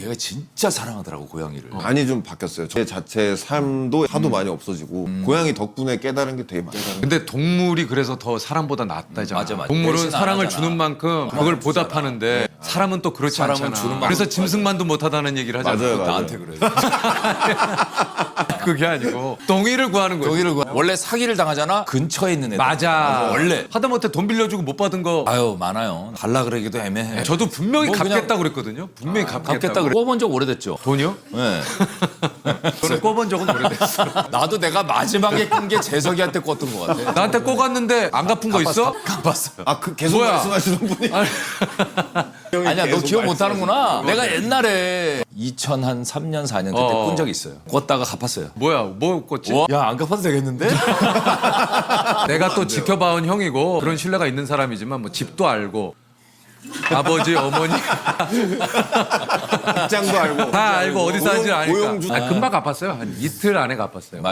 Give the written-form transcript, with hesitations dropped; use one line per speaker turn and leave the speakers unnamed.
걔가 진짜 사랑하더라고 고양이를.
많이 좀 바뀌었어요. 제 자체 삶도 하도 많이 없어지고 고양이 덕분에 깨달은 게 되게 많아요.
근데 동물이 그래서 더 사람보다 낫다잖아.
맞아, 맞아.
동물은
대신 안
사랑을
하잖아.
주는 만큼 그걸 보답하는데 사람은 또 그렇지
사람은
않잖아.
주는 만큼.
그래서 짐승만도 못하다는 얘기를 하잖아.
맞아요, 맞아요.
나한테 그래.
그게 아니고 동의를 구하는 거지.
여기를 원래 사기를 당하잖아. 근처에 있는 애들.
맞아.
원래.
하다못해 돈 빌려주고 못 받은 거
아유 많아요. 달라 그러기도 애매해.
저도 분명히
뭐 그냥
갚겠다고 그랬거든요. 분명히
갚겠다 그래. 꿔본 적 오래됐죠.
돈이요?
네.
저는 꿔본 적은 오래됐어.
나도 내가 마지막에 꾼 게 재석이한테 꿨던 것 같아.
나한테 꿔갔는데 안 갚은 거 있어?
갚았어요.
아, 그 계속
뭐야?
말씀하시는 분이.
아니야 너
계속
기억 못하는구나.
말씀하시는
내가 옛날에 2003년 4년 그때 꾼 적이 있어요. 꿨다가 갚았어요.
뭐야? 뭐 꿨지?
야 안 갚아도 되겠는데?
내가 또 지켜봐온 형이고 그런 신뢰가 있는 사람이지만 뭐 집도 알고 아버지 어머니
입장도 알고.
다 알고 어디 사는지 아니까
고용주.
금방 갚았어요. 한 이틀 안에 갚았어요.